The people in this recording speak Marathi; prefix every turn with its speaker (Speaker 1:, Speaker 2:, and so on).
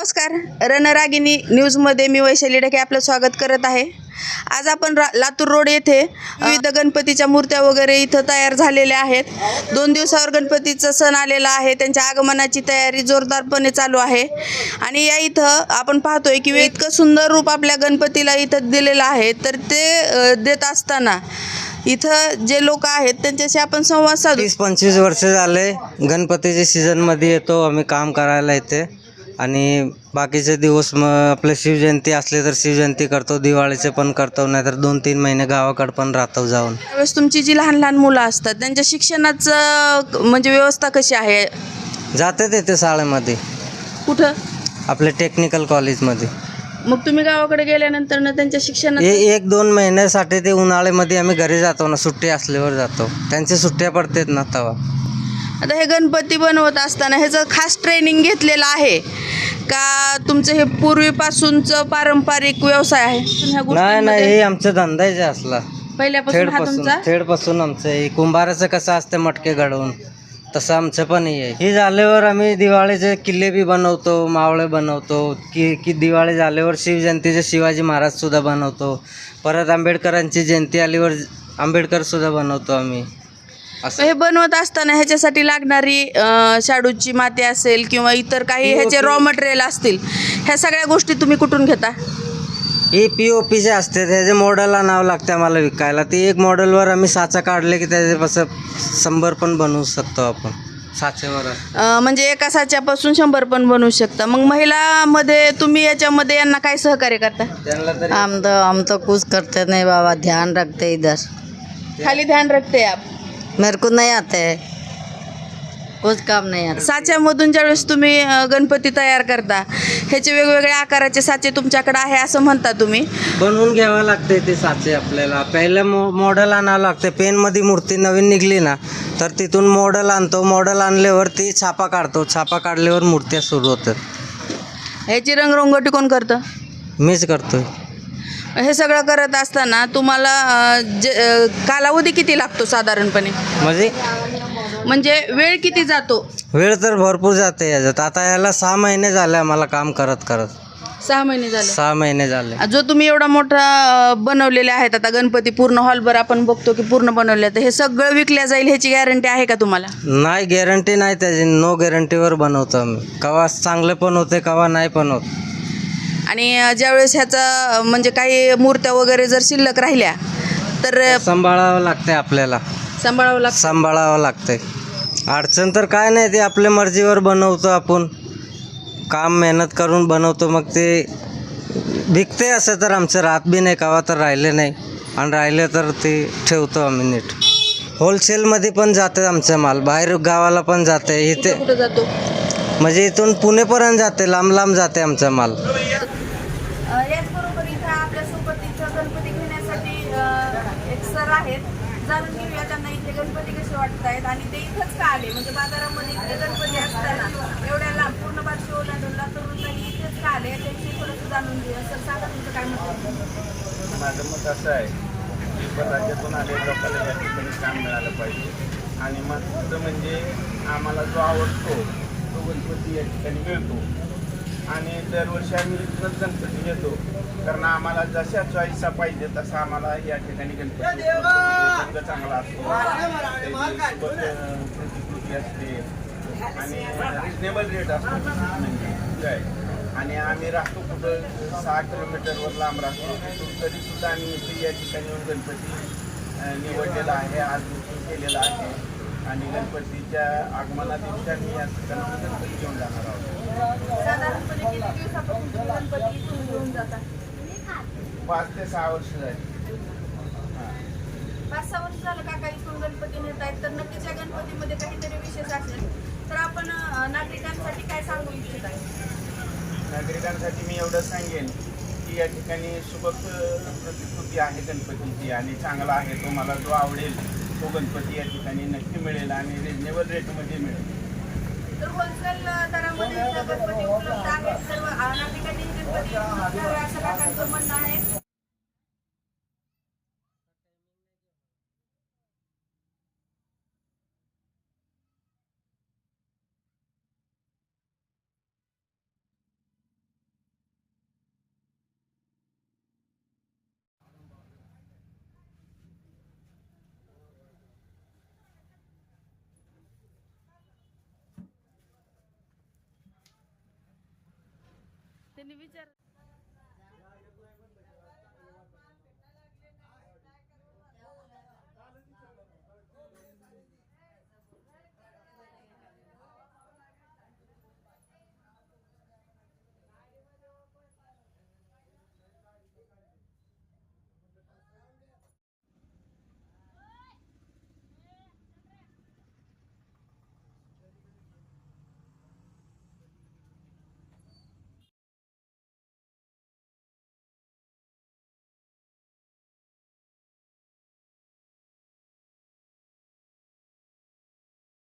Speaker 1: नमस्कार. रणरागिनी न्यूजमध्ये मी वैशाली ढके आपलं स्वागत करत आहे. आज आपण लातूर रोड येथे विविध गणपतीच्या मूर्त्या वगैरे इथं तयार झालेल्या आहेत. 2 दिवसावर गणपतीचा सण आलेला आहे. त्यांच्या आगमनाची तयारी जोरदारपणे चालू आहे आणि या इथं आपण पाहतोय की इतकं सुंदर रूप आपल्या गणपतीला इथं दिलेलं आहे. तर ते देत असताना इथं जे लोक आहेत त्यांच्याशी आपण संवाद साधू.
Speaker 2: 30-25 वर्ष झाले गणपतीच्या सीझनमध्ये येतो आम्ही काम करायला इथे आणि बाकीचे दिवस मग आपले शिवजयंती असले तर शिवजयंती करतो, दिवाळीचे पण करतो, नाहीतर 2-3 महिने गावाकडे पण राहतो जाऊन.
Speaker 1: त्यावेळेस तुमची जी लहान लहान मुलं असतात त्यांच्या शिक्षणाचं म्हणजे व्यवस्था कशी आहे?
Speaker 2: जाते तिथे शाळेमध्ये,
Speaker 1: कुठं?
Speaker 2: आपल्या टेक्निकल कॉलेजमध्ये.
Speaker 1: मग तुम्ही गावाकडे गेल्यानंतर ना त्यांच्या शिक्षणात
Speaker 2: 1-2 महिन्यासाठी ते उन्हाळ्यामध्ये आम्ही घरी जातो ना, सुट्टी असल्यावर जातो. त्यांच्या सुट्ट्या पडतात ना तेव्हा.
Speaker 1: आता हे गणपती बनवत असताना ह्याचं खास ट्रेनिंग घेतलेलं आहे का तुमचं हे पूर्वीपासूनचं पारंपरिक व्यवसाय आहे? ह्या
Speaker 2: नाही
Speaker 1: गोष्टींमध्ये
Speaker 2: हे आमचा धंदाच असला
Speaker 1: पहिल्यापासून हा तुमचा?
Speaker 2: थेडपासून आमचं हे कुंभाराचं कसं असतं मटके घडवून, तसं आमचं पण हे आहे. हे झाल्यावर आम्ही दिवाळीचे किल्ले बी बनवतो, मावळे बनवतो की दिवाळी झाल्यावर शिवजयंतीचे शिवाजी महाराज सुद्धा बनवतो. परत आंबेडकरांची जयंती आल्यावर आंबेडकर सुद्धा बनवतो आम्ही.
Speaker 1: हे बनवत असताना ह्याच्यासाठी लागणारी शाडूची माती असेल किंवा इतर काही ह्याचे रॉ मटेरियल असतील, ह्या सगळ्या गोष्टी तुम्ही कुठून घेता?
Speaker 2: हे POPचे असते, त्याचे मॉडेलला नाव लागते आम्हाला विकायला. ते एक मॉडेलवर आम्ही साचा काढले की त्याच्यापासून 100 पण बनवू शकतो आपण साचेवर.
Speaker 1: म्हणजे एका साच्यापासून 100 पण बनवू शकता. मग महिलामध्ये तुम्ही याच्यामध्ये यांना काय सहकार्य करता?
Speaker 3: हम तो कुछ करते नहीं बाबा, ध्यान रखते इधर.
Speaker 1: खाली ध्यान रखते आप?
Speaker 3: मेरे को नहीं आते है, कुछ काम नहीं आता.
Speaker 1: साच्यामधून ज्यावेळेस तुम्ही गणपती तयार करता ह्याचे वेगवेगळ्या आकाराचे साचे तुमच्याकडे आहे असं म्हणता तुम्ही.
Speaker 2: बनवून घ्यावं लागते ते साचे आपल्याला. पहिलं मॉडेल आणावं लागते. पेनमध्ये मूर्ती नवीन निघली ना तर तिथून मॉडेल आणतो. मॉडेल आणल्यावर ती छापा काढतो. छापा काढल्यावर मूर्त्या सुरू होतात.
Speaker 1: ह्याची रंगरंगोटी कोण करतं?
Speaker 2: मीच करतोय.
Speaker 1: हे सगळं करत असताना तुम्हाला कालावधी किती लागतो साधारणपणे? म्हणजे वेळ किती जातो?
Speaker 2: वेळ तर भरपूर जाते याच्यात. आता याला 6 महिने झाले आम्हाला काम करत करत.
Speaker 1: 6 महिने झाले.
Speaker 2: 6 महिने झाले.
Speaker 1: जो तुम्ही एवढा मोठा बनवलेले आहेत आता गणपती पूर्ण हॉलभर आपण बघतो की पूर्ण बनवले, तर हे सगळं विकल्या जाईल ह्याची गॅरंटी आहे का तुम्हाला?
Speaker 2: नाही, गॅरंटी नाही त्याची. नो गॅरंटीवर बनवतो आम्ही. कवा चांगले पण होते, कवा नाही पण होत.
Speaker 1: आणि ज्यावेळेस ह्याचा म्हणजे काही मूर्त्या वगैरे जर शिल्लक राहिल्या तर
Speaker 2: सांभाळावं लागते आपल्याला. सांभाळावं लागते. अडचण तर काय नाही, ते आपल्या मर्जीवर बनवतो आपण. काम मेहनत करून बनवतो, मग ते विकते. असं तर आमचं राहत बी नाही, कवा तर राहिले नाही. आणि राहिले तर ते ठेवतो आम्ही नीट. होलसेलमध्ये पण जाते आमचा माल, बाहेर गावाला पण जाते. इथे
Speaker 1: कुठं जातो?
Speaker 2: म्हणजे इथून पुणेपर्यंत जाते, लांब लांब जाते आमचा माल.
Speaker 1: याचबरोबर इथं आपल्यासोबत इथं गणपती घेण्यासाठी एक सर आहेत. जाणून घेऊया त्यांना इथे गणपती कसे वाटत आहेत आणि ते इथंच का आले, म्हणजे बाजारामध्ये इथे गणपती असताना एवढ्या लांब पूर्ण बारशी ओलांडूनला तरुणांनी इथेच का आले त्याविषयी थोडंसं जाणून घेऊया. सर सांगा तुमचं काय मत?
Speaker 4: माझं मत असं आहे की राज्यातून आलेल्या लोकांना या ठिकाणी काम मिळालं पाहिजे. आणि महत्त्वाचं म्हणजे आम्हाला जो आवडतो तो गणपती या ठिकाणी मिळतो. आणि दरवर्षी आम्ही इथंच गणपती घेतो, कारण आम्हाला जशा चॉईसचा पाहिजे तसा आम्हाला या ठिकाणी गणपती रंग चांगला असतो, प्रतिकृती असते आणि रिजनेबल रेट असतो काय. आणि आम्ही राहतो कुठं 6 किलोमीटरवर लांब राहतो. तिथून तरीसुद्धा आम्ही इथे या ठिकाणी येऊन गणपती निवडलेला आहे, आज बुकिंग केलेलं आहे. आणि गणपतीच्या आगमना दिवशी आम्ही या ठिकाणी गणपती घेऊन जाणार आहोत.
Speaker 1: साधारणपणे किती दिवसापासून तुम्ही गणपती इथून घेऊन जाता?
Speaker 4: 5 ते 6 वर्ष झाली.
Speaker 1: 5-6 वर्ष झालं काका इथून गणपती नेत आहेत. तर नक्कीच या गणपतीमध्ये काहीतरी विशेष असेल. तर आपण नागरिकांसाठी काय सांगू इच्छित आहे?
Speaker 4: नागरिकांसाठी मी एवढं सांगेन की या ठिकाणी सुबक प्रतिकृती आहे गणपतीची आणि चांगला आहे. तो मला जो आवडेल तो गणपती या ठिकाणी नक्की मिळेल आणि रिजनेबल रेटमध्ये मिळेल.
Speaker 1: तर होलसेल दरामध्ये गणपती उपलब्ध आहेत. सर्व नागरिकांनी गणपती घ्यावे असं काकांचं म्हणणं आहे. त्यांनी विचार